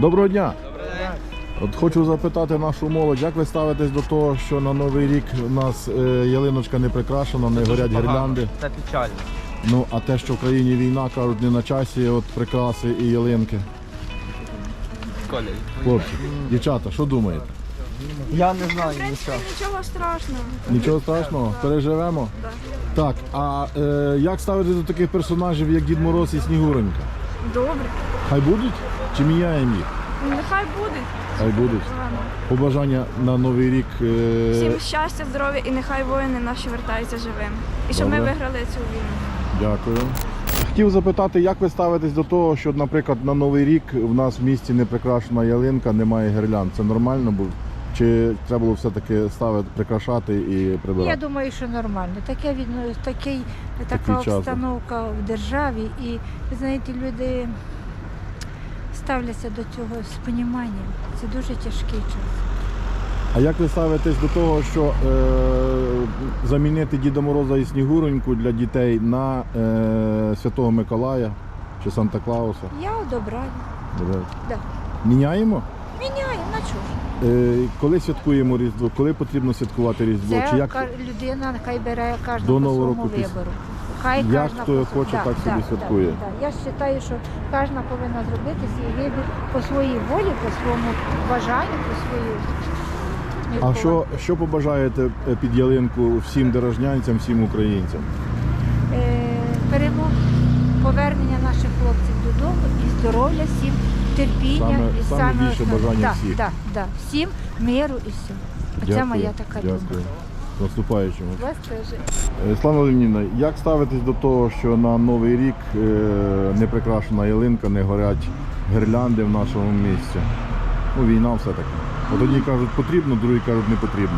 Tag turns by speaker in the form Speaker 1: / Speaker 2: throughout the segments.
Speaker 1: Доброго дня!
Speaker 2: Добрий день.
Speaker 1: От хочу запитати нашу молодь, як ви ставитесь до того, що на Новий рік у нас ялиночка не прикрашена, не горять гірлянди?
Speaker 2: Це печально.
Speaker 1: Ну, а те, що в країні війна, кажуть, не на часі от прикраси і ялинки.
Speaker 2: Коля.
Speaker 1: Хлопці, дівчата, що думаєте?
Speaker 2: Я не знаю
Speaker 3: В принципі,
Speaker 2: нічого.
Speaker 3: нічого страшного.
Speaker 1: Нічого страшного? Переживемо? Так, а як ставитесь до таких персонажів, як Дід Мороз і Снігуронька?
Speaker 3: Добре.
Speaker 1: Хай будуть? Чи міняємо їх?
Speaker 3: Нехай буде.
Speaker 1: Хай будуть. Побажання на Новий рік.
Speaker 3: Всім щастя, здоров'я і нехай воїни наші вертаються живими. І щоб ми
Speaker 1: Добре.
Speaker 3: виграли цю війну.
Speaker 1: Дякую. Хотів запитати, як ви ставитесь до того, що, наприклад, на Новий рік в нас в місті не прикрашена ялинка, немає гірлянд. Це нормально було? Чи треба було все-таки ставити, прикрашати і прибирати?
Speaker 4: Я думаю, що нормально. Така
Speaker 1: Такий час.
Speaker 4: обстановка в державі, і ви знаєте, люди ставляться до цього з поніманням. Це дуже тяжкий час.
Speaker 1: А як ви ставитесь до того, що замінити Діда Мороза і Снігуроньку для дітей на Святого Миколая чи Санта-Клауса?
Speaker 4: Я одобраю. Да.
Speaker 1: Міняємо?
Speaker 4: Міняємо, на чого ж?
Speaker 1: Коли святкуємо Різдво? Коли потрібно святкувати Різдво?
Speaker 4: Це
Speaker 1: Чи як?
Speaker 4: Людина хай бере кожна
Speaker 1: До
Speaker 4: по
Speaker 1: Нового
Speaker 4: своєму
Speaker 1: року
Speaker 4: вибору. Хай
Speaker 1: Як
Speaker 4: кожна
Speaker 1: хто
Speaker 4: по-
Speaker 1: хоче, так собі святкує.
Speaker 4: Я вважаю, що кожна повинна зробити свій вибір по своїй волі, по своєму бажанню, по своїй
Speaker 1: А що побажаєте під ялинку всім дорожнянцям, всім українцям?
Speaker 4: Перемог, повернення наших хлопців додому і здоров'я всім, терпіння.
Speaker 1: Саме більше
Speaker 4: основне.
Speaker 1: бажання всіх.
Speaker 4: Да. Всім миру і все. Це моя така
Speaker 1: Дякую.
Speaker 4: думка.
Speaker 1: З наступаючим.
Speaker 4: Вас теж.
Speaker 1: Слава Леонідівна, як ставитесь до того, що на Новий рік не прикрашена ялинка, не горять гірлянди в нашому місті? Ну, війна все-таки. От одні кажуть потрібно, другі кажуть не потрібно.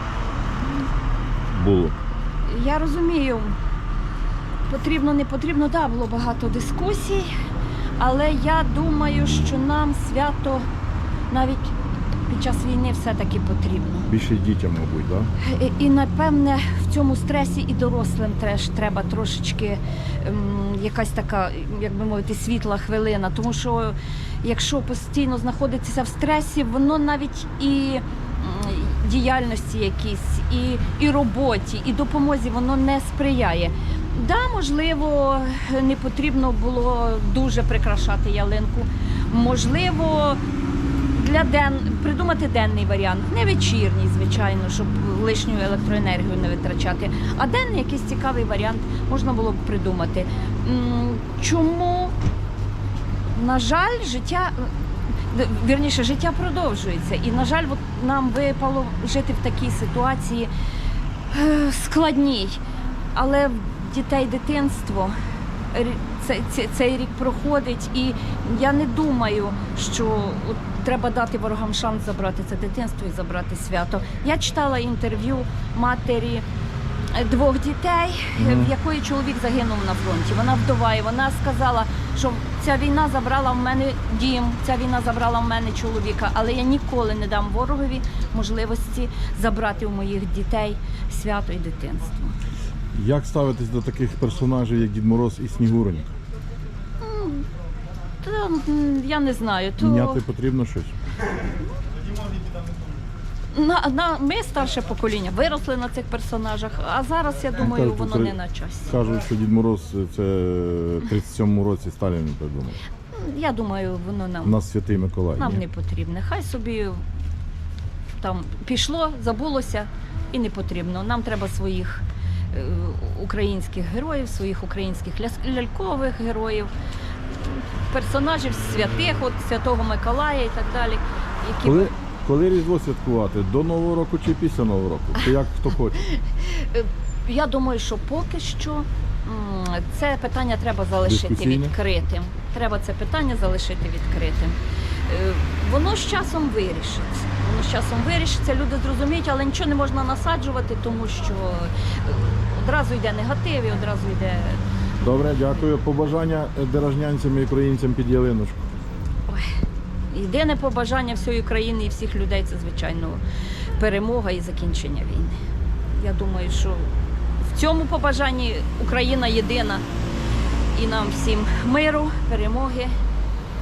Speaker 1: Було.
Speaker 5: Я розумію, потрібно, не потрібно, так, було багато дискусій, але я думаю, що нам свято навіть під час війни все-таки потрібно.
Speaker 1: Більше дітям, мабуть, так?
Speaker 5: І напевне в цьому стресі і дорослим теж треба трошечки якась така, як би мовити, світла хвилина. Тому що якщо постійно знаходитися в стресі, воно навіть і діяльності якісь, і роботі, і допомозі воно не сприяє. Да, можливо, не потрібно було дуже прикрашати ялинку. Можливо, придумати денний варіант, не вечірній, звичайно, щоб лишню електроенергію не витрачати, а денний якийсь цікавий варіант можна було б придумати. Чому? На жаль, життя продовжується. І, на жаль, нам випало жити в такій ситуації складній. Але в дітей дитинство, цей рік проходить, і я не думаю, що треба дати ворогам шанс забрати це дитинство і забрати свято. Я читала інтерв'ю матері 2 дітей, в якої чоловік загинув на фронті. Вона вдова, і вона сказала, що ця війна забрала в мене дім, ця війна забрала в мене чоловіка, але я ніколи не дам ворогові можливості забрати у моїх дітей свято і дитинство.
Speaker 1: Як ставитесь до таких персонажів, як Дід Мороз і Снігуронька?
Speaker 5: Я не знаю.
Speaker 1: Міняти потрібно щось?
Speaker 5: Ми, старше покоління, виросли на цих персонажах, а зараз, я думаю,
Speaker 1: Кажуть,
Speaker 5: воно не на часі.
Speaker 1: Кажуть, що Дід Мороз це в 37-му році Сталін придумав.
Speaker 5: Я думаю, воно
Speaker 1: У нас Святий Миколай.
Speaker 5: нам
Speaker 1: ні?
Speaker 5: не потрібне. Хай собі там пішло, забулося і не потрібно. Нам треба своїх українських героїв, своїх українських лялькових героїв, персонажів святих, от Святого Миколая і так далі. Які...
Speaker 1: Коли Різдво святкувати? До Нового року чи після Нового року? Чи як хто хоче?
Speaker 5: Я думаю, що поки що це питання треба залишити
Speaker 1: Дискусійне?
Speaker 5: відкритим. Треба це питання залишити відкритим. Воно з часом вирішиться. Люди зрозуміють, але нічого не можна насаджувати, тому що одразу йде негатив і одразу йде...
Speaker 1: Добре, дякую. Побажання дорожнянцям і українцям під ялиночку.
Speaker 5: Єдине побажання всієї країни і всіх людей – це, звичайно, перемога і закінчення війни. Я думаю, що в цьому побажанні Україна єдина. І нам всім миру, перемоги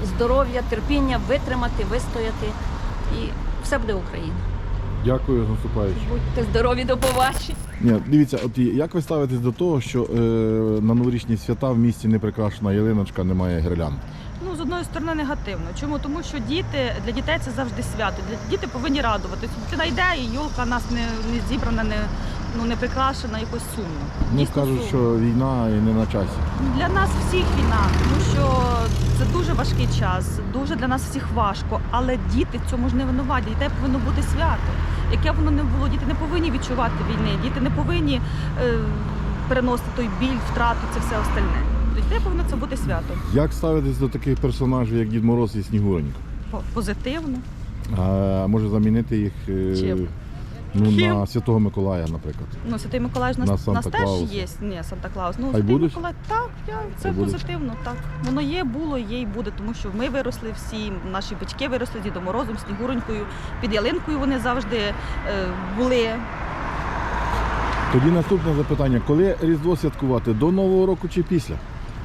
Speaker 5: здоров'я, терпіння, витримати, вистояти. І все буде Україна.
Speaker 1: Дякую, з наступаючим.
Speaker 5: Будьте здорові, до побачення.
Speaker 1: Ні, дивіться, от як ви ставитесь до того, що на новорічні свята в місті не прикрашена ялиночка, немає гірлянд?
Speaker 6: Ну, з одної сторони, негативно. Чому? Тому що для дітей це завжди свято. Діти повинні радуватися. Дитина йде, і йолка у нас не зібрана, не прикрашена, якось сумно.
Speaker 1: Ну,
Speaker 6: Дійсно
Speaker 1: кажуть,
Speaker 6: сумно.
Speaker 1: що війна і не на часі.
Speaker 6: Для нас всіх війна, тому що це дуже важкий час, дуже для нас всіх важко. Але діти в цьому ж не винуваті. Дітей повинно бути свято. Яке б воно не було, діти не повинні відчувати війни, діти не повинні переносити той біль, втрату, це все остальне. Дітей повинно це бути свято.
Speaker 1: Як ставитесь до таких персонажів, як Дід Мороз і Снігуронька?
Speaker 6: Позитивно.
Speaker 1: А може замінити їх
Speaker 6: Чим?
Speaker 1: на Святого Миколая, наприклад?
Speaker 6: Ну, Святий Миколай ж
Speaker 1: На
Speaker 6: у нас теж
Speaker 1: Санта-Клауса.
Speaker 6: є. Ні, Санта-Клаус. Ну,
Speaker 1: Хай
Speaker 6: Святий
Speaker 1: будуть?
Speaker 6: Миколай, так, це
Speaker 1: Хай будуть?
Speaker 6: позитивно, так. Воно є, було, є і буде, тому що ми виросли всі, наші батьки виросли з Дідом Морозом, Снігуронькою, під ялинкою вони завжди були.
Speaker 1: Тоді наступне запитання. Коли Різдво святкувати? До Нового року чи після?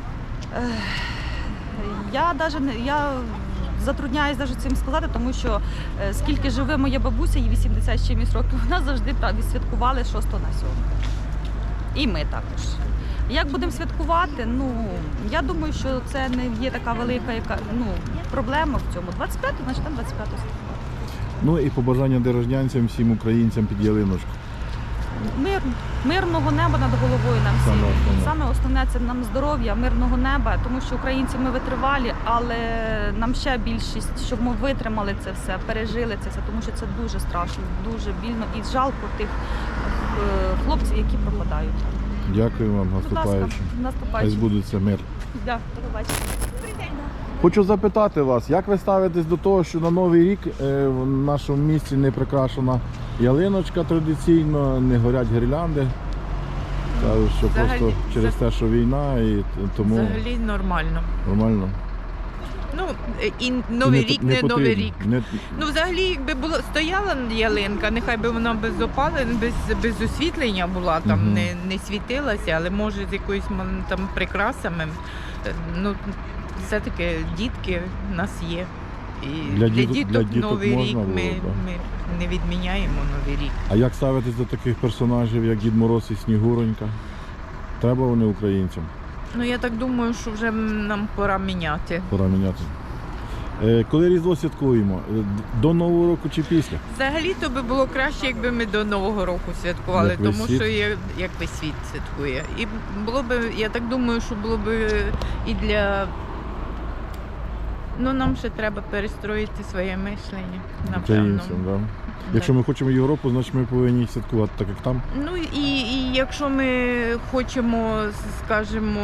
Speaker 6: Я затрудняюсь навіть цим сказати, тому що скільки живе моя бабуся, їй 80 з чимось років, вона завжди відсвяткували 6 на 7. І ми також. Як будемо святкувати? Ну, я думаю, що це не є така велика проблема в цьому. 25, значить там 25 святкувати.
Speaker 1: Ну і побажання дорожнянцям, всім українцям під ялиночку.
Speaker 6: Мирного неба над головою нам всім.
Speaker 1: Саме основне.
Speaker 6: Саме основне це нам здоров'я, мирного неба, тому що українці ми витривалі, але нам ще більшість, щоб ми витримали це все, пережили це все, тому що це дуже страшно, дуже більно і жалко тих хлопців, які пропадають.
Speaker 1: Дякую вам,
Speaker 6: Будь ласка,
Speaker 1: наступаючим. Хай
Speaker 6: наступаючим.
Speaker 1: збудеться мир.
Speaker 6: Да, до побачення.
Speaker 1: Хочу запитати вас, як ви ставитесь до того, що на Новий рік в нашому місті не прикрашена ялиночка традиційно, не горять гірлянди. Кажуть, що
Speaker 7: Взагалі,
Speaker 1: просто через те, що війна, і тому
Speaker 7: Взагалі нормально.
Speaker 1: нормально.
Speaker 7: Ну, і Новий
Speaker 1: І
Speaker 7: рік, не
Speaker 1: потрібно.
Speaker 7: Новий рік.
Speaker 1: Не-
Speaker 7: Ну, взагалі, якби стояла ялинка, нехай би вона без опалень, без освітлення була, там
Speaker 1: Мгм.
Speaker 7: не світилася, але може з якоюсь там прикрасами. Ну, все-таки дітки в нас є. І
Speaker 1: Для
Speaker 7: для
Speaker 1: діток
Speaker 7: Новий
Speaker 1: можна
Speaker 7: рік
Speaker 1: було,
Speaker 7: ми
Speaker 1: так.
Speaker 7: не відміняємо Новий рік.
Speaker 1: А як ставитесь до таких персонажів, як Дід Мороз і Снігуронька? Треба вони українцям?
Speaker 7: Ну, я так думаю, що вже нам пора міняти.
Speaker 1: Пора міняти. Коли Різдво святкуємо? До Нового року чи після?
Speaker 7: Взагалі-то би було краще, якби ми до Нового року святкували,
Speaker 1: Як весь
Speaker 7: тому
Speaker 1: світ?
Speaker 7: що як весь світ святкує. І було б, я так думаю, що було б і для. Ну, нам ще треба перестроїти своє мислення, напевно.
Speaker 1: Українцям, да? Якщо ми хочемо Європу, значить ми повинні святкувати так, як там.
Speaker 7: Ну і якщо ми хочемо, скажімо,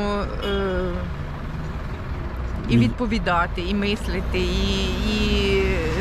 Speaker 7: і відповідати, і мислити, і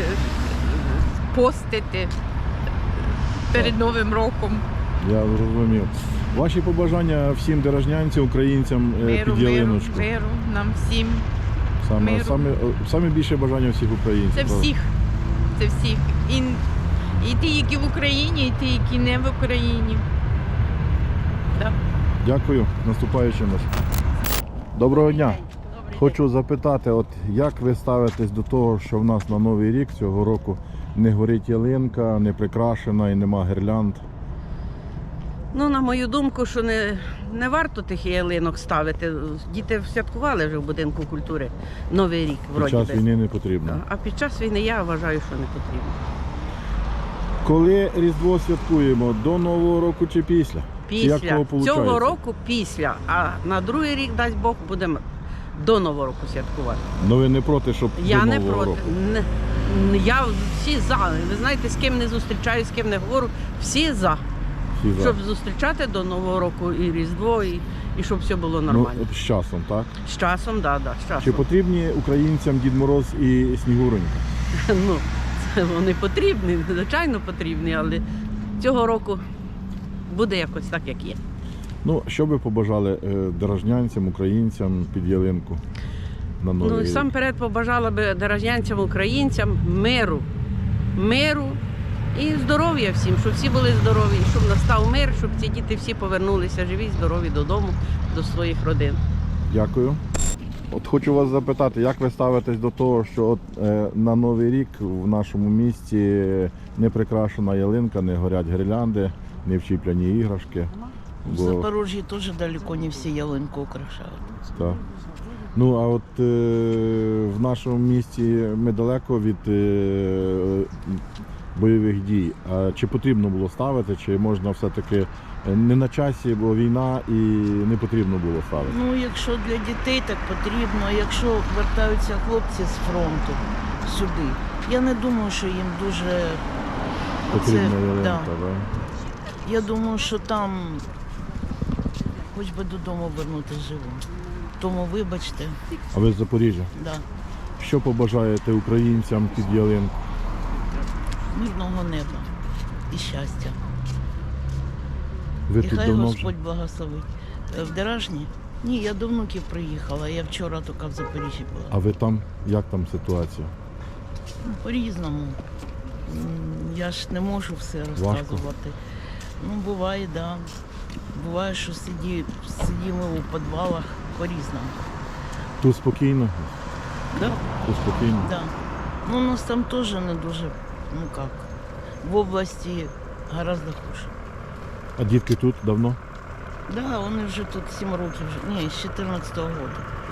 Speaker 7: постити перед Новим роком.
Speaker 1: Я зрозумів. Ваші побажання всім дорожнянцям, українцям
Speaker 7: Миру,
Speaker 1: під ялиночку.
Speaker 7: миру нам всім.
Speaker 1: Саме,
Speaker 7: миру.
Speaker 1: саме більше бажання всіх українців.
Speaker 7: Це
Speaker 1: правда?
Speaker 7: всіх. Це всіх. І ті, які в Україні, і ті, які не в Україні. Да.
Speaker 1: Дякую. Наступаючим вас. Доброго дня. Хочу запитати, от як ви ставитесь до того, що в нас на Новий рік цього року не горить ялинка, не прикрашена і нема гірлянд?
Speaker 8: Ну, на мою думку, що не варто тих ялинок ставити. Діти святкували вже в будинку культури Новий рік,
Speaker 1: Під
Speaker 8: вроді
Speaker 1: час
Speaker 8: би.
Speaker 1: війни не потрібно.
Speaker 8: А під час війни я вважаю, що не потрібно.
Speaker 1: Коли Різдво святкуємо? До Нового року чи після? Чи як
Speaker 8: Після
Speaker 1: того
Speaker 8: цього
Speaker 1: получається?
Speaker 8: року після, а на другий рік, дасть Бог, будемо до Нового року святкувати.
Speaker 1: Ну ви не проти, щоб
Speaker 8: Я
Speaker 1: до
Speaker 8: не
Speaker 1: Нового
Speaker 8: проти.
Speaker 1: року?
Speaker 8: Я всі за. Ви знаєте, з ким не зустрічаюсь, з ким не говорю, всі за.
Speaker 1: Всі за.
Speaker 8: Щоб зустрічати до Нового року і Різдво, і щоб все було
Speaker 1: Ну,
Speaker 8: нормально.
Speaker 1: от з часом, так?
Speaker 8: З часом, да, з часом.
Speaker 1: Чи потрібні українцям Дід Мороз і Снігуронька?
Speaker 8: Ну, це вони потрібні, звичайно потрібні, але цього року буде якось так, як є.
Speaker 1: Ну, що би побажали дорожнянцям, українцям під ялинку на Новий
Speaker 8: Ну, і
Speaker 1: рік?
Speaker 8: сам перед побажала би дорожнянцям, українцям миру і здоров'я всім, щоб всі були здорові, щоб настав мир, щоб ці діти всі повернулися живі, здорові додому, до своїх родин.
Speaker 1: Дякую. От хочу вас запитати, як ви ставитесь до того, що от, на Новий рік в нашому місті не прикрашена ялинка, не горять гірлянди, не вчіплені іграшки.
Speaker 9: В Запорожье тоже далеко не все ялинку украшают.
Speaker 1: Так. Ну, а от в нашому місті ми далеко від бойових дій. А чи потрібно було ставити, чи можна все-таки не на часі, бо війна і не потрібно було ставити?
Speaker 9: Ну, якщо для дітей так потрібно, а якщо вертаються хлопці з фронту сюди, я не думаю, що їм дуже
Speaker 1: Потрібна ялинка,
Speaker 9: да.
Speaker 1: так?
Speaker 9: Я думаю, що там хоч би додому вернути живим. Тому вибачте,
Speaker 1: А ви з Запоріжжя?
Speaker 9: да.
Speaker 1: Що побажаєте українцям під ялинку?
Speaker 9: Мирного неба і щастя.
Speaker 1: Ви
Speaker 9: І
Speaker 1: тут
Speaker 9: хай
Speaker 1: давно вже?
Speaker 9: Господь благословить. В Деражні? Ні, я до внуків приїхала. Я вчора тільки в Запоріжжі була.
Speaker 1: А ви там? Як там ситуація?
Speaker 9: По-різному. Я ж не можу все розказувати. Ну, буває, так. Да. Буває, що сидимо у підвалах по-різному.
Speaker 1: Тут спокійно?
Speaker 9: Да?
Speaker 1: Тут спокійно?
Speaker 9: Да. Ну, у нас там теж не дуже, ну як, в області гораздо хуже.
Speaker 1: А дітки тут давно?
Speaker 9: Да, вони вже тут 7 років, ні, з 14-го року.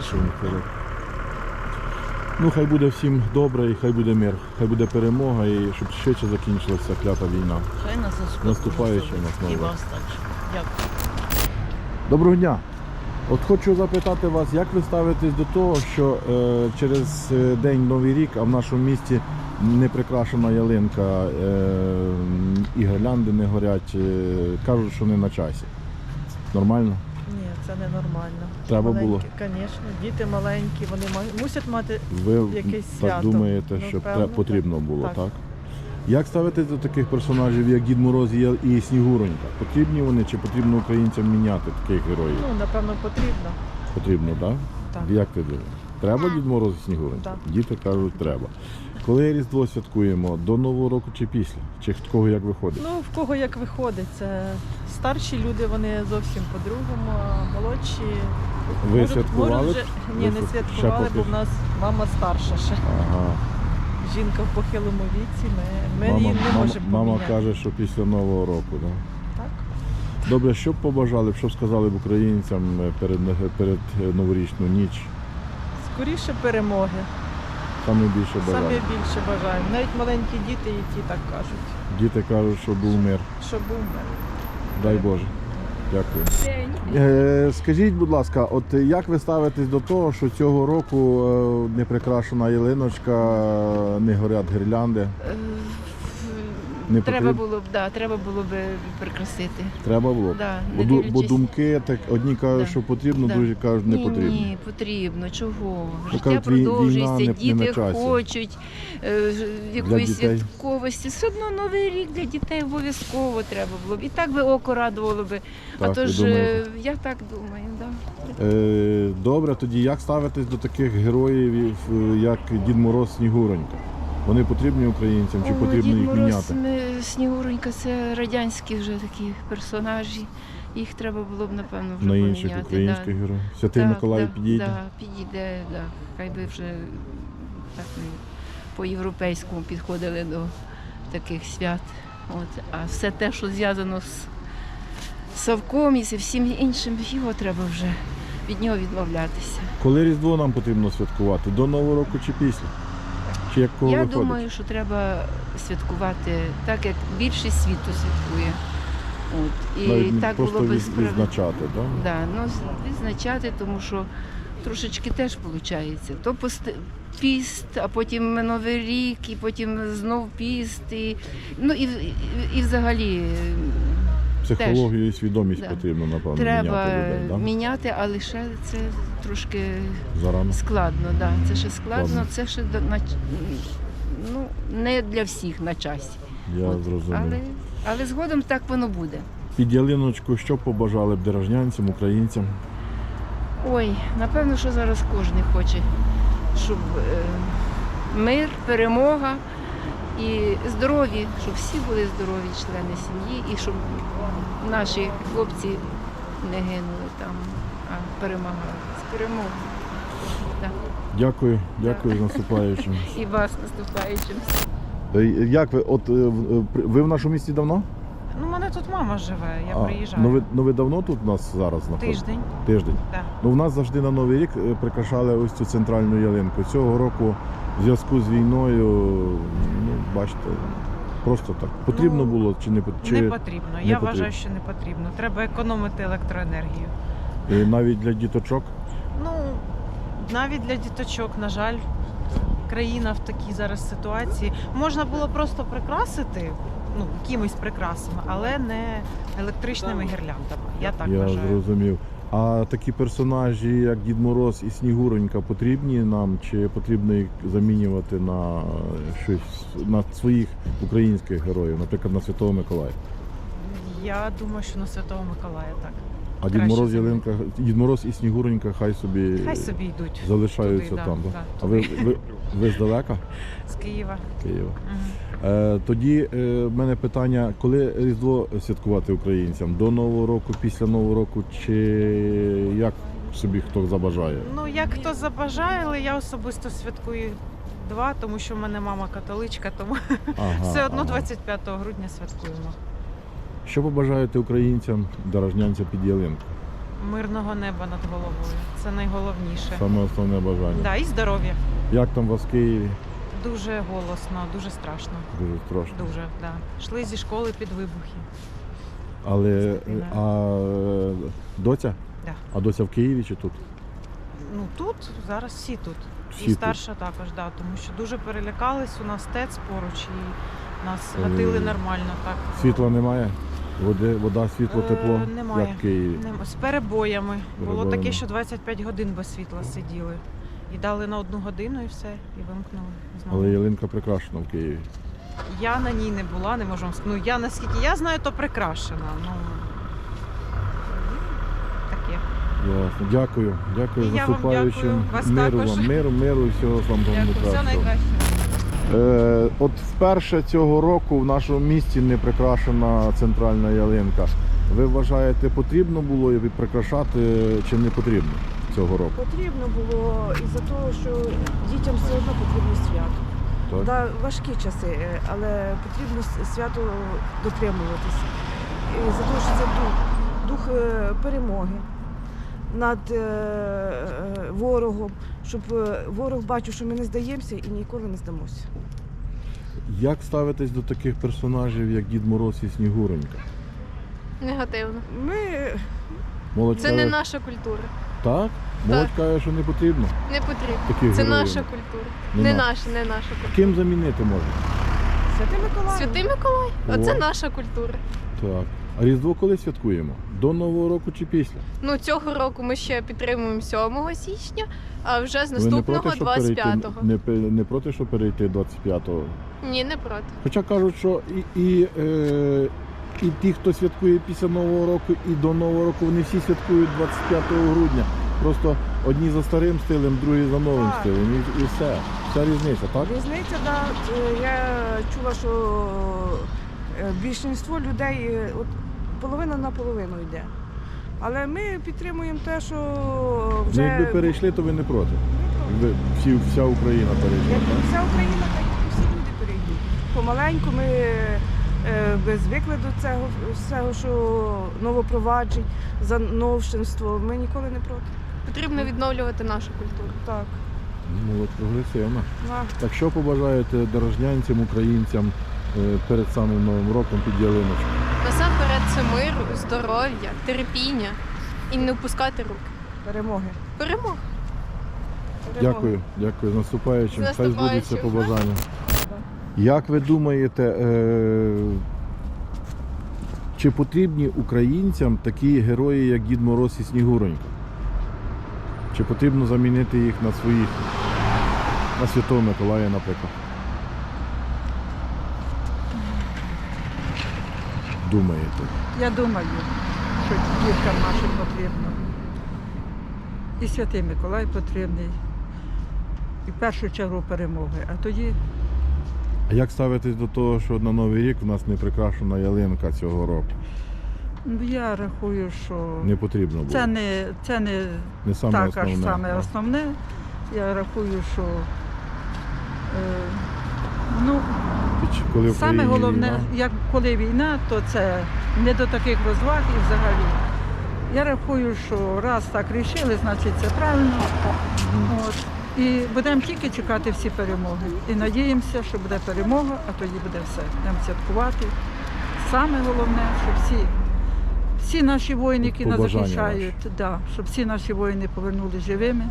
Speaker 1: Ну, хай буде всім добре і хай буде мир, хай буде перемога і щоб швидше закінчилася клята війна.
Speaker 9: Хай нас Господь
Speaker 1: Наступаючи
Speaker 9: благословить.
Speaker 1: нас
Speaker 9: І
Speaker 1: нове.
Speaker 9: вас також. Дякую.
Speaker 1: Доброго дня! От хочу запитати вас, як ви ставитесь до того, що через день Новий рік, а в нашому місті не прикрашена ялинка, і гірлянди не горять, кажуть, що не на часі. Нормально?
Speaker 10: Ні, це не нормально.
Speaker 1: Треба було?
Speaker 10: Звісно, діти маленькі, вони мусять мати
Speaker 1: Ви
Speaker 10: якесь
Speaker 1: так
Speaker 10: свято.
Speaker 1: думаєте,
Speaker 10: Ну,
Speaker 1: що
Speaker 10: певно,
Speaker 1: потрібно було,
Speaker 10: так.
Speaker 1: так? Як ставитесь до таких персонажів, як Дід Мороз і Снігуронька? Потрібні вони чи потрібно українцям міняти таких героїв?
Speaker 10: Ну, напевно, потрібно.
Speaker 1: Потрібно, так?
Speaker 10: Так.
Speaker 1: Як ти думаєш? Треба Дід Мороз і Снігуронька?
Speaker 10: Так.
Speaker 1: Діти кажуть, треба. Коли Різдво святкуємо? До Нового року чи після? Чи в кого як виходить?
Speaker 10: Ну, в кого як виходить. Це старші люди, вони зовсім по-другому, а молодші.
Speaker 1: Ви
Speaker 10: можуть-
Speaker 1: святкували?
Speaker 10: можуть вже- Ні,
Speaker 1: Ви
Speaker 10: не
Speaker 1: ще
Speaker 10: святкували, бо
Speaker 1: поки-
Speaker 10: в нас мама старша ще.
Speaker 1: Ага.
Speaker 10: Жінка в похилому віці, ми її не можемо
Speaker 1: мама
Speaker 10: поміняти.
Speaker 1: каже, що після Нового року, так?
Speaker 10: Так?
Speaker 1: Добре, що б побажали, що б сказали б українцям перед новорічну ніч?
Speaker 10: Скоріше перемоги.
Speaker 1: Саме більше
Speaker 10: Саме
Speaker 1: бажали.
Speaker 10: більше бажаємо. Навіть маленькі діти, і ті так кажуть,
Speaker 1: Діти кажуть, що був мир.
Speaker 10: що був мир.
Speaker 1: Дай Боже. Дякую. Скажіть, будь ласка, от як ви ставитесь до того, що цього року не прикрашена ялиночка, не горять гірлянди? Не
Speaker 7: Треба
Speaker 1: потрібно?
Speaker 7: було б, треба було б прикрасити.
Speaker 1: Треба було?
Speaker 7: Да,
Speaker 1: Бо,
Speaker 7: не
Speaker 1: бо
Speaker 7: дивлячись.
Speaker 1: думки так одні кажуть,
Speaker 7: Да.
Speaker 1: що потрібно,
Speaker 7: Да.
Speaker 1: другі кажуть, не
Speaker 7: Ні,
Speaker 1: потрібно.
Speaker 7: ні, потрібно. Чого? Життя
Speaker 1: кажуть, війна
Speaker 7: продовжується,
Speaker 1: не на
Speaker 7: діти
Speaker 1: часі.
Speaker 7: хочуть якоїсь
Speaker 1: дітей.
Speaker 7: святковості. Все одно Новий рік для дітей обов'язково треба було б. І так би око радувало би.
Speaker 1: Так,
Speaker 7: а то
Speaker 1: ви
Speaker 7: ж
Speaker 1: думаєте?
Speaker 7: я так думаю, да.
Speaker 1: Добре, тоді як ставитесь до таких героїв, як Дід Мороз, Снігуронька? Вони потрібні українцям чи
Speaker 7: О,
Speaker 1: потрібно
Speaker 7: Дід
Speaker 1: їх
Speaker 7: Мороз,
Speaker 1: міняти?
Speaker 7: Снігуронька, це радянські вже такі персонажі. Їх треба було б, напевно, вже
Speaker 1: На
Speaker 7: поміняти.
Speaker 1: інших українських
Speaker 7: да.
Speaker 1: героїв? Святий Миколай підійде?
Speaker 7: Так, підійде, да. Хай би вже так ми по-європейському підходили до таких свят. От. А все те, що зв'язано з Савком і зі всім іншим, його треба вже від нього відмовлятися.
Speaker 1: Коли Різдво нам потрібно святкувати? До Нового року чи після? Чи як кого
Speaker 7: Я
Speaker 1: виходить?
Speaker 7: думаю, що треба святкувати так, як більшість світу святкує. От. І
Speaker 1: Навіть не
Speaker 7: так
Speaker 1: просто
Speaker 7: було б справедливо.
Speaker 1: відзначати, так?
Speaker 7: Да, ну, відзначати, тому що трошечки теж виходить. То піст, а потім Новий рік, і потім знов піст. Ну і взагалі
Speaker 1: Психологію і свідомість
Speaker 7: Да.
Speaker 1: потрібно, напевно,
Speaker 7: треба
Speaker 1: міняти людей, так?
Speaker 7: міняти, але ще це трошки
Speaker 1: Зарано.
Speaker 7: складно. Да. Це ще складно,
Speaker 1: Складно.
Speaker 7: це ще ну, не для всіх на часі.
Speaker 1: Я
Speaker 7: От.
Speaker 1: зрозумів.
Speaker 7: Але згодом так воно буде.
Speaker 1: Під ялиночку що побажали б деражнянцям, українцям?
Speaker 7: Ой, напевно, що зараз кожен хоче, щоб мир, перемога і здорові, щоб всі були здорові члени сім'ї і щоб наші хлопці не гинули там, а перемагали. З перемогою. Так.
Speaker 1: Дякую, дякую з наступаючим.
Speaker 7: І вас наступаючим.
Speaker 1: Як ви, ви в нашому місті давно?
Speaker 6: Ну, у мене тут мама живе, я приїжджаю.
Speaker 1: Ну ви давно тут у нас зараз знаходитесь?
Speaker 6: Тиждень.
Speaker 1: Тиждень.
Speaker 6: Да.
Speaker 1: Ну, в нас завжди на Новий рік прикрашали ось цю центральну ялинку. Цього року в зв'язку з війною, ну, бачите, просто так. Потрібно
Speaker 6: Ну,
Speaker 1: було чи не потрібно?
Speaker 6: Не потрібно. Я вважаю, що не потрібно. Треба економити електроенергію.
Speaker 1: Навіть для діточок?
Speaker 6: Ну, навіть для діточок, на жаль, країна в такій зараз ситуації. Можна було просто прикрасити, ну, якимись прикрасами, але не електричними гірляндами. Я так
Speaker 1: Я
Speaker 6: вважаю.
Speaker 1: зрозумів. А такі персонажі, як Дід Мороз і Снігуронька, потрібні нам, чи потрібно їх замінювати на щось, на своїх українських героїв, наприклад, на Святого Миколая?
Speaker 6: Я думаю, що на Святого Миколая так.
Speaker 1: А Дід
Speaker 6: Краще
Speaker 1: Мороз,
Speaker 6: замінити.
Speaker 1: Дід Мороз і Снігуронька хай собі
Speaker 6: йдуть.
Speaker 1: залишаються
Speaker 6: туди,
Speaker 1: там.
Speaker 6: да,
Speaker 1: Да?
Speaker 6: да,
Speaker 1: А ви здалека?
Speaker 6: З Києва.
Speaker 1: Києва.
Speaker 6: Мгм.
Speaker 1: Тоді в мене питання, коли Різдво святкувати українцям? До Нового року, після Нового року, чи як собі хто забажає?
Speaker 6: Ну, як хто забажає, але я особисто святкую 2, тому що в мене мама католичка, тому все одно 25 грудня святкуємо.
Speaker 1: Що побажаєте українцям, дорожнянцям під ялинку?
Speaker 6: Мирного неба над головою. Це найголовніше.
Speaker 1: Саме основне бажання.
Speaker 6: Да, і здоров'я.
Speaker 1: Як там у вас в Києві?
Speaker 6: Дуже голосно, дуже страшно.
Speaker 1: Дуже страшно.
Speaker 6: Дуже, да. Йшли зі школи під вибухи.
Speaker 1: Але
Speaker 6: Дитина.
Speaker 1: доця?
Speaker 6: Да.
Speaker 1: А доця в Києві чи тут?
Speaker 6: Ну тут, зараз всі тут.
Speaker 1: Всі
Speaker 6: І
Speaker 1: тут.
Speaker 6: старша також, да, тому що дуже перелякались, у нас ТЕЦ поруч і нас гатили нормально. Так.
Speaker 1: Світла немає? Вода, світло, тепло?
Speaker 6: Немає.
Speaker 1: Як в Києві?
Speaker 6: З перебоями. Було
Speaker 1: Перебоями.
Speaker 6: таке, що 25 годин без світла сиділи. І дали на 1 годину і все, і вимкнули. Знову.
Speaker 1: Але ялинка прикрашена в Києві.
Speaker 6: Я на ній не була, не можу вам сказати. Ну, я наскільки я знаю, то прикрашена. Ну, таке.
Speaker 1: Ясно. Дякую. Дякую
Speaker 6: І
Speaker 1: за
Speaker 6: я вам
Speaker 1: наступаючим.
Speaker 6: дякую. Вас
Speaker 1: Миру
Speaker 6: також.
Speaker 1: вам, миру і всього вам
Speaker 6: Дякую, все
Speaker 1: найкращого.
Speaker 6: найкраще.
Speaker 1: От вперше цього року в нашому місті не прикрашена центральна ялинка. Ви вважаєте, потрібно було її прикрашати чи не потрібно цього року?
Speaker 11: Потрібно було із-за того, що дітям все одно потрібно свято.
Speaker 1: Так?
Speaker 11: Да, важкі часи, але потрібно свято дотримуватися. І за того, що це дух перемоги над ворогом, щоб ворог бачив, що ми не здаємося і ніколи не здамося.
Speaker 1: Як ставитесь до таких персонажів, як Дід Мороз і Снігуронька?
Speaker 3: Негативно.
Speaker 11: Ми
Speaker 1: Молодь
Speaker 3: Це
Speaker 1: каже,
Speaker 3: не наша культура.
Speaker 1: Так? Молодь каже, що не потрібно.
Speaker 3: Не потрібно.
Speaker 1: Таких
Speaker 3: Це
Speaker 1: героїв.
Speaker 3: наша культура.
Speaker 1: Не
Speaker 3: Не
Speaker 1: наша.
Speaker 3: наша, не наша культура.
Speaker 1: Ким замінити можна?
Speaker 11: Святий Миколай.
Speaker 3: Святий Миколай. Оце
Speaker 1: О.
Speaker 3: наша культура.
Speaker 1: Так. А Різдво коли святкуємо? До Нового року чи після?
Speaker 3: Ну, цього року ми ще підтримуємо 7 січня, а вже з
Speaker 1: Ви не
Speaker 3: наступного
Speaker 1: проти, щоб перейти,
Speaker 3: 25-го.
Speaker 1: не проти, щоб перейти 25-го?
Speaker 3: Ні, не проти.
Speaker 1: Хоча кажуть, що і ті, хто святкує після Нового року, і до Нового року, вони всі святкують 25 грудня. Просто одні за старим стилем, другі за новим
Speaker 11: Так.
Speaker 1: стилем. І все. Вся різниця, так?
Speaker 11: Різниця, да. Я чула, що більшість людей, от половина на половину йде. Але ми підтримуємо те, що вже
Speaker 1: Ну, якби перейшли, то ви не проти. Якби вся Україна перейшла.
Speaker 11: як
Speaker 1: Так?
Speaker 11: вся Україна, так і всі люди перейдуть. Помаленьку ми звикли до цього всього, що новопроваджень, за новшинство. Ми ніколи не проти.
Speaker 3: Потрібно відновлювати нашу культуру.
Speaker 11: Так.
Speaker 1: Молодь прогресивна.
Speaker 11: Да.
Speaker 1: Так що побажаєте дорожнянцям, українцям перед самим Новим роком під ялиночку?
Speaker 3: Насамперед це миру, здоров'я, терпіння і не опускати руки.
Speaker 11: Перемоги.
Speaker 3: Перемога.
Speaker 1: Дякую, дякую. З наступаючим.
Speaker 3: З
Speaker 1: Хай збудеться
Speaker 3: наступаючим.
Speaker 1: побажання. Як ви думаєте, чи потрібні українцям такі герої, як Дід Мороз і Снігуронька? Чи потрібно замінити їх на своїх, на Святого Миколая, наприклад? Думаєте?
Speaker 12: Я думаю, що діткам нашим потрібно. І Святий Миколай потрібний. І в першу чергу перемоги. А тоді
Speaker 1: А як ставитесь до того, що на Новий рік в нас не прикрашена ялинка цього року?
Speaker 12: Я рахую, що
Speaker 1: Не потрібно було.
Speaker 12: це не
Speaker 1: Не саме
Speaker 12: так
Speaker 1: основне.
Speaker 12: аж саме
Speaker 1: так.
Speaker 12: основне. Я рахую, що ну,
Speaker 1: Коли в
Speaker 12: саме
Speaker 1: країні
Speaker 12: головне,
Speaker 1: війна,
Speaker 12: як коли війна, то це не до таких розваг і взагалі. Я рахую, що раз так рішили, значить це правильно. От. І будемо тільки чекати всі перемоги. І надіємося, що буде перемога, а тоді буде все. Будемо святкувати. Саме головне, щоб всі наші воїни, які нас
Speaker 1: Побажання
Speaker 12: захищають, щоб всі наші воїни повернулися живими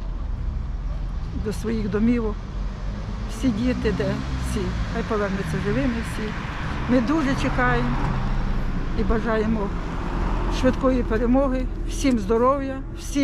Speaker 12: до своїх домівок. Всі діти, всі, хай повернуться живими всі. Ми дуже чекаємо і бажаємо швидкої перемоги, всім здоров'я,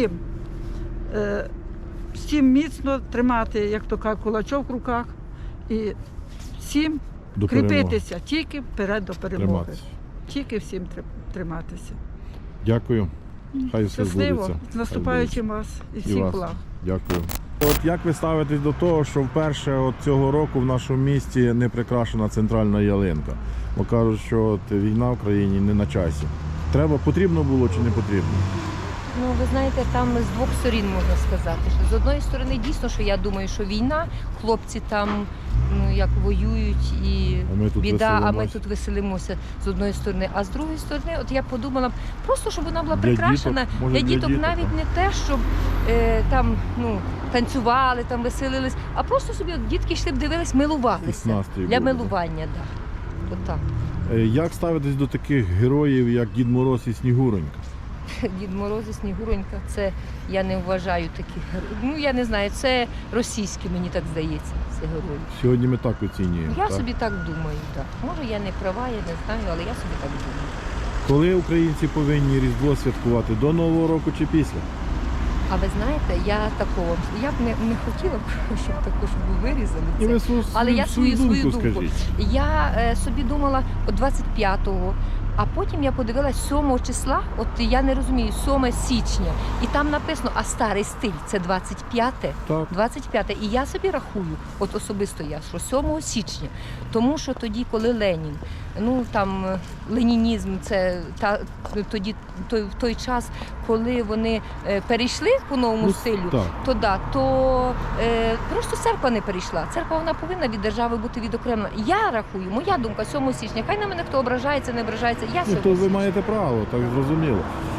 Speaker 12: всім міцно тримати, як то кажуть, кулачок в руках і всім
Speaker 1: до перемоги.
Speaker 12: кріпитися тільки вперед до перемоги.
Speaker 1: Триматися.
Speaker 12: Тільки всім триматися.
Speaker 1: Дякую. Хай все
Speaker 12: Щасливо,
Speaker 1: збудеться.
Speaker 12: з наступаючим вас і всіх
Speaker 1: вас.
Speaker 12: благ.
Speaker 1: Дякую. От як ви ставитесь до того, що вперше от цього року в нашому місті не прикрашена центральна ялинка? Бо кажуть, що от війна в країні не на часі. Потрібно було чи не потрібно?
Speaker 13: Ну, ви знаєте, там з двох сторін можна сказати. Що з одної сторони, дійсно, що я думаю, що війна, хлопці там як воюють і
Speaker 1: А ми тут
Speaker 13: біда, а ми
Speaker 1: веселимось.
Speaker 13: тут веселимося з одної сторони. А з другої сторони, от я подумала, просто щоб вона була
Speaker 1: Для
Speaker 13: прикрашена
Speaker 1: діток, може,
Speaker 13: для
Speaker 1: для
Speaker 13: діток,
Speaker 1: діток,
Speaker 13: навіть
Speaker 1: так.
Speaker 13: не те, щоб там танцювали, там веселились, а просто собі от, дітки йшли б дивились, милувалися.
Speaker 1: Якийсь настрій
Speaker 13: Для
Speaker 1: був, да.
Speaker 13: милування, так. Да. От так.
Speaker 1: Як ставитесь до таких героїв, як Дід Мороз і Снігуронька?
Speaker 13: Дід Мороз і Снігуронька, це я не вважаю таких героїв. Ну я не знаю, це російські, мені так здається, це герої.
Speaker 1: Сьогодні ми так оцінюємо.
Speaker 13: Я
Speaker 1: так?
Speaker 13: собі так думаю, так. Може я не права, я не знаю, але я собі так думаю.
Speaker 1: Коли українці повинні Різдво святкувати? До Нового року чи після?
Speaker 13: А ви знаєте, я б не хотіла б, щоб також ви вирізали
Speaker 1: І ви
Speaker 13: це. Але я свою
Speaker 1: думку
Speaker 13: думку.
Speaker 1: скажіть.
Speaker 13: Я собі думала от 25-го, а потім я подивилась 7 числа, от я не розумію, 7 січня, і там написано, а старий стиль це 25-те.
Speaker 1: Так.
Speaker 13: 25-те. І я собі рахую, от особисто я, що 7 січня, тому що тоді, коли Ленін, там ленінізм, це тоді в той час, коли вони перейшли по новому стилю,
Speaker 1: так.
Speaker 13: то просто церква не перейшла. Церква вона повинна від держави бути відокремлена. Я рахую, моя думка 7 січня. Хай на мене хто ображається, не ображається. Я 7
Speaker 1: То ви
Speaker 13: січня.
Speaker 1: маєте право, так зрозуміло.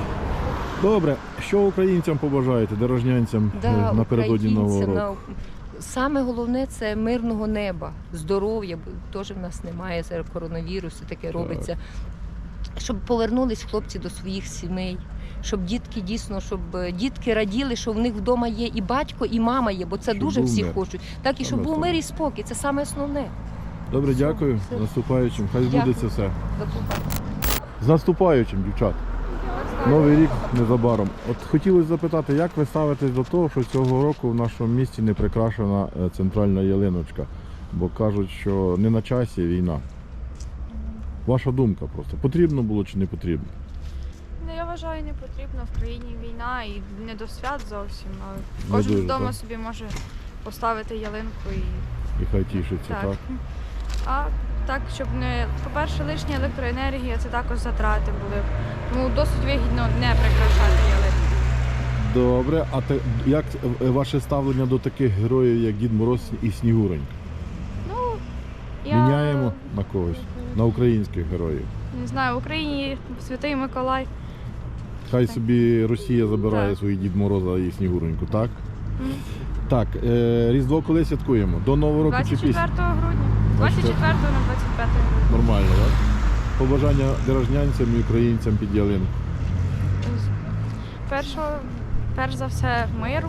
Speaker 1: Добре, що українцям побажаєте, дорожнянцям напередодні Нового року?
Speaker 13: Саме головне це мирного неба, здоров'я, бо теж в нас немає зараз коронавірусу, таке робиться. Щоб повернулись хлопці до своїх сімей, щоб дітки дійсно, щоб дітки раділи, що в них вдома є і батько, і мама є, бо це
Speaker 1: Щоб
Speaker 13: дуже
Speaker 1: був
Speaker 13: всі
Speaker 1: мир.
Speaker 13: хочуть. Так і щоб був мир і спокій, це саме основне.
Speaker 1: Добре, дякую. З наступаючим. Хай збудеться все.
Speaker 13: До побачення.
Speaker 1: З наступаючим, дівчат. Новий рік незабаром. От хотілося запитати, як ви ставитесь до того, що цього року в нашому місті не прикрашена центральна ялиночка? Бо кажуть, що не на часі війна. Ваша думка просто. Потрібно було чи не потрібно?
Speaker 3: Ну, я вважаю, не потрібно. В країні війна і не до свят зовсім. Але
Speaker 1: Не
Speaker 3: кожен
Speaker 1: дуже,
Speaker 3: вдома
Speaker 1: так.
Speaker 3: собі може поставити ялинку і
Speaker 1: І хай тішиться, так?
Speaker 3: А так, щоб не, по-перше, лишня електроенергія, це також затрати були. Тому досить вигідно не прикрашати ялинку.
Speaker 1: Добре, а як ваше ставлення до таких героїв, як Дід Мороз і Снігуронька? Міняємо на когось, на українських героїв.
Speaker 3: Не знаю, в Україні Святий Миколай.
Speaker 1: Хай собі Росія забирає
Speaker 3: Так.
Speaker 1: свої Дід Мороза і Снігуроньку, так? Так, Різдво коли святкуємо? До Нового року чи
Speaker 3: 24
Speaker 1: після?
Speaker 3: грудня. 24 на 25 грудня.
Speaker 1: Нормально, так? Побажання дорожнянцям і українцям під ялинку.
Speaker 3: Перш за все, миру,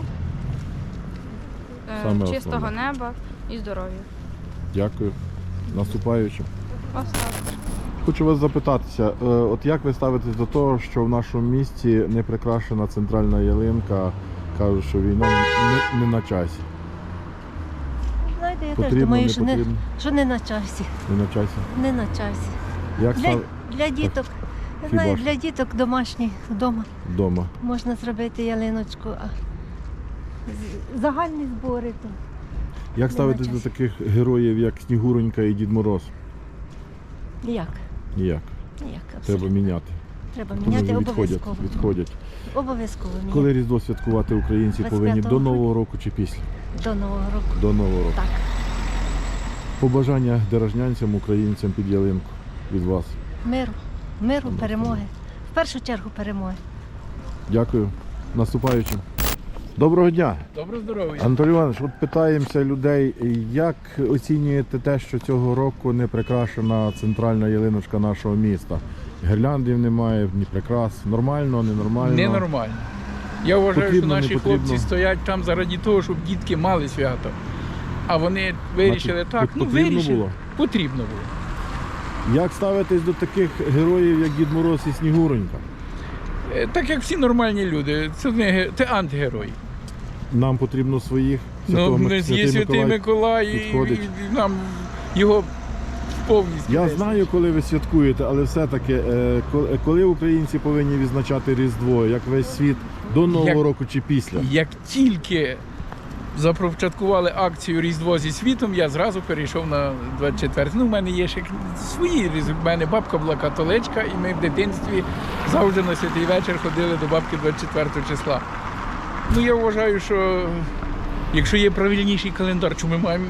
Speaker 1: Саме
Speaker 3: чистого
Speaker 1: основне.
Speaker 3: неба і здоров'я.
Speaker 1: Дякую. Наступаючим.
Speaker 3: Остаточно.
Speaker 1: Хочу вас запитатися, от як ви ставитесь до того, що в нашому місті не прикрашена центральна ялинка, кажуть, що війна не на часі?
Speaker 14: Знаєте, я
Speaker 1: Потрібно,
Speaker 14: теж думаю,
Speaker 1: не
Speaker 14: що
Speaker 1: потрібно?
Speaker 14: не на часі.
Speaker 1: Не на часі.
Speaker 14: Не на часі.
Speaker 1: Як
Speaker 14: Для діток. Я
Speaker 1: Хіба
Speaker 14: знаю,
Speaker 1: ж?
Speaker 14: для діток домашніх вдома
Speaker 1: вдома?
Speaker 14: можна зробити ялиночку, а загальні збори то.
Speaker 1: Як
Speaker 14: Не
Speaker 1: ставитесь
Speaker 14: на
Speaker 1: до
Speaker 14: часі.
Speaker 1: таких героїв, як Снігуронька і Дід Мороз?
Speaker 14: Ніяк.
Speaker 1: Ніяк.
Speaker 14: Ніяк.
Speaker 1: Треба міняти.
Speaker 14: Треба
Speaker 1: Тому
Speaker 14: міняти
Speaker 1: відходять.
Speaker 14: обов'язково. Обов'язково міняти.
Speaker 1: Коли Різдво святкувати українці
Speaker 14: 25
Speaker 1: повинні? До
Speaker 14: грудня.
Speaker 1: Нового року чи після?
Speaker 14: До Нового року.
Speaker 1: До Нового року.
Speaker 14: Так.
Speaker 1: Побажання деражнянцям, українцям під ялинку від вас.
Speaker 14: Миру, перемоги. В першу чергу перемоги.
Speaker 1: Дякую. Наступаючим. Доброго дня.
Speaker 15: Доброго здоров'я.
Speaker 1: Анатолій Іванович, от питаємося людей, як оцінюєте те, що цього року не прикрашена центральна ялиночка нашого міста? Гірляндів немає, ні прикрас. Нормально, ненормально?
Speaker 15: Ненормально. Я вважаю,
Speaker 1: Потрібно,
Speaker 15: що
Speaker 1: не
Speaker 15: наші
Speaker 1: потрібно?
Speaker 15: хлопці стоять там заради того, щоб дітки мали свято. А вони вирішили
Speaker 1: Значить,
Speaker 15: так,
Speaker 1: потрібно
Speaker 15: вирішили.
Speaker 1: було?
Speaker 15: Потрібно було.
Speaker 1: Як ставитесь до таких героїв, як Дід Мороз і Снігуронька?
Speaker 15: Так як всі нормальні люди, це антигерої.
Speaker 1: Нам потрібно своїх.
Speaker 15: Ну, є Святий Миколай
Speaker 1: підходить.
Speaker 15: і нам його повністю.
Speaker 1: Я знаю, коли ви святкуєте, але все-таки, коли українці повинні відзначати Різдво, як весь світ, до Нового року чи після?
Speaker 15: Як тільки започаткували акцію Різдво зі світом, я зразу перейшов на 24. Ну, в мене є ще свої різдви. У мене бабка була католичка, і ми в дитинстві завжди на святий вечір ходили до бабки 24 числа. Ну, я вважаю, що якщо є правильніший календар, чому ми маємо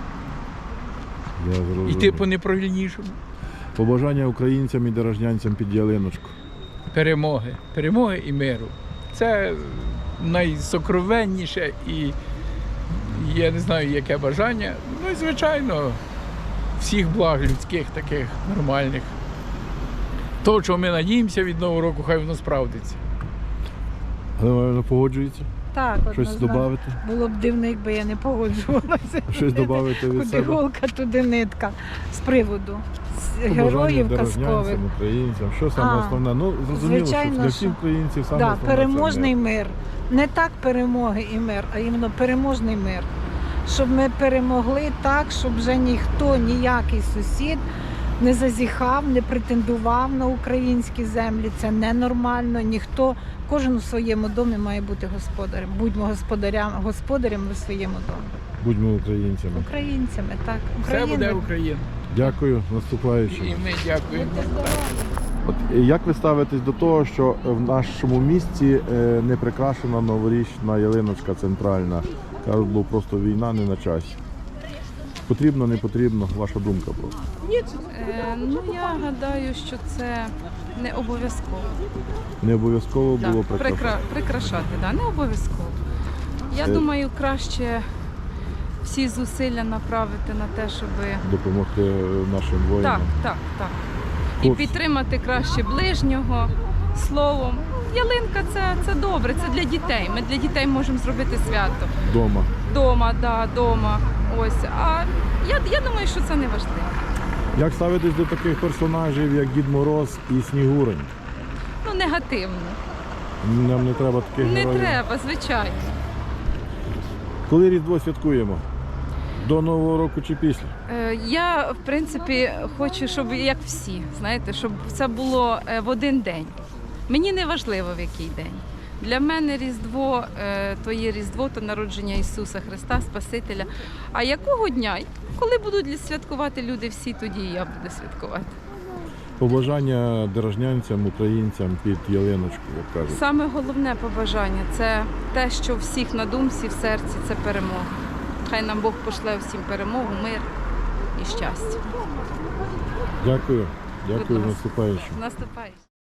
Speaker 15: йти по неправильнішому?
Speaker 1: Побажання українцям і деражнянцям під ялиночку.
Speaker 15: Перемоги і миру. Це найсокровенніше і я не знаю, яке бажання. Ну і звичайно, всіх благ людських, таких нормальних. То, чого ми надіємося від Нового року, хай воно справдиться.
Speaker 1: Галина погоджується?
Speaker 12: Так,
Speaker 1: Щось
Speaker 12: однозначно.
Speaker 1: додати?
Speaker 12: Було б дивно, якби я не погоджувалася.
Speaker 1: Щось додати від
Speaker 12: Куди
Speaker 1: себе?
Speaker 12: голка, туди нитка. З приводу
Speaker 1: Побажання
Speaker 12: героїв казкових.
Speaker 1: деражнянцям, українцям. Що саме основне? Ну, зрозуміло,
Speaker 12: звичайно,
Speaker 1: що для всіх
Speaker 12: що.
Speaker 1: українців саме
Speaker 12: Да,
Speaker 1: основне це
Speaker 12: переможний
Speaker 1: мир.
Speaker 12: мир. Не так перемоги і мир, а іменно переможний мир. Щоб ми перемогли так, щоб вже ніхто, ніякий сусід не зазіхав, не претендував на українські землі. Це ненормально. Ніхто, кожен у своєму домі має бути господарем. Будьмо господарями у своєму домі.
Speaker 1: Будьмо українцями.
Speaker 12: Українцями, так.
Speaker 15: Все буде Україна.
Speaker 1: Дякую, наступаючим.
Speaker 15: І ми дякуємо.
Speaker 1: От як ви ставитесь до того, що в нашому місті не прикрашена новорічна ялиночка центральна? Кажуть, бо просто війна не на часі. Потрібно, не потрібно? Ваша думка просто.
Speaker 16: Ну, я гадаю, що це не обов'язково.
Speaker 1: Не обов'язково було
Speaker 16: Прикрашати, да, не обов'язково. Я думаю, краще всі зусилля направити на те, щоб
Speaker 1: допомогти нашим воїнам.
Speaker 16: Так. І підтримати краще ближнього словом. Ялинка це добре, це для дітей. Ми для дітей можемо зробити свято. Дома. Ось. А я думаю, що це не важливо.
Speaker 1: Як ставитесь до таких персонажів, як Дід Мороз і Снігурень?
Speaker 16: Ну, негативно.
Speaker 1: Нам не треба таких
Speaker 16: Не
Speaker 1: героїв?
Speaker 16: треба, звичайно.
Speaker 1: Коли Різдво святкуємо? До Нового року чи після?
Speaker 16: Я, в принципі, хочу, щоб як всі, знаєте, щоб це було в один день. Мені не важливо, в який день. Для мене Різдво то є Різдво, то народження Ісуса Христа, Спасителя. А якого дня? Коли будуть святкувати люди всі, тоді і я буду святкувати.
Speaker 1: Побажання деражнянцям, українцям під ялиночку, як кажуть.
Speaker 16: Саме головне побажання – це те, що всіх на думці, в серці – це перемога. Хай нам Бог пошле всім перемогу, мир і щастя.
Speaker 1: Дякую. Дякую,
Speaker 16: Будь ласка.
Speaker 1: наступаючим.
Speaker 16: Наступаючим.